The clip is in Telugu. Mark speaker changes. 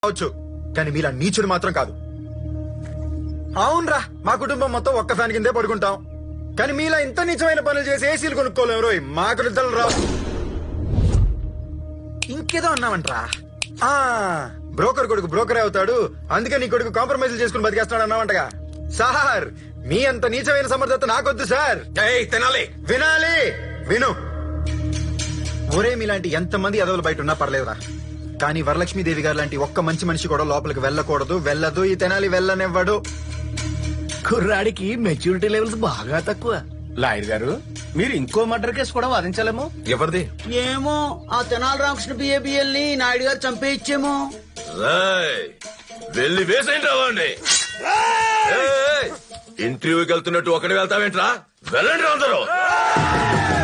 Speaker 1: కావచ్చు, కానీ మీలా నీచుడు మాత్రం కాదు. అవునరా, మా కుటుంబం మొత్తం ఒక్క ఫ్యాన్ కిందే పడుకుంటాం, కానీ మీలా ఇంత నీచమైన పనులు చేసి ఏసీలు కొనుక్కోలేము రోయ్. మాకు నిద్రలు రావు. ఇంకేదో అన్నావంట్రా, బ్రోకర్ కొడుకు బ్రోకరే అవుతాడు, అందుకే నీ కొడుకు కాంప్రమైజ్ చేసుకుని బతికేస్తున్నాడు అన్నావంటగా. సార్, మీ అంత నీచమైన సమర్థత నాకొద్దు సార్.
Speaker 2: తినాలి
Speaker 1: వినాలి, విను. ఒరే, మీలాంటి ఎంతమంది ఎదవలు బయట ఉన్నా పర్లేదురా, కానీ వరలక్ష్మీదేవి గారు లాంటి ఒక్క మంచి మనిషి కూడా లోపలికి వెళ్ళకూడదు, వెళ్ళదు. ఈ తెనాలి వెళ్ళనివ్వడు.
Speaker 3: కుర్రాడికి మెచ్యూరిటీ లెవెల్స్ బాగా తక్కువ. లాయర్ గారు, మీరు ఇంకో మర్డర్ కేసు కూడా వాదించాలేమో.
Speaker 2: ఎవరిది?
Speaker 4: ఏమో, ఆ తెనాలి రామకృష్ణ బిఏబిఎల్ ని నాయుడు గారు చంపేయచ్చేమో.
Speaker 2: వెళ్ళి వేసేయండి రావండి. ఇంటర్వ్యూకి వెళ్తున్నట్టు ఒకటి వెళ్తావేంట్రా? వెళ్ళండి అందరూ.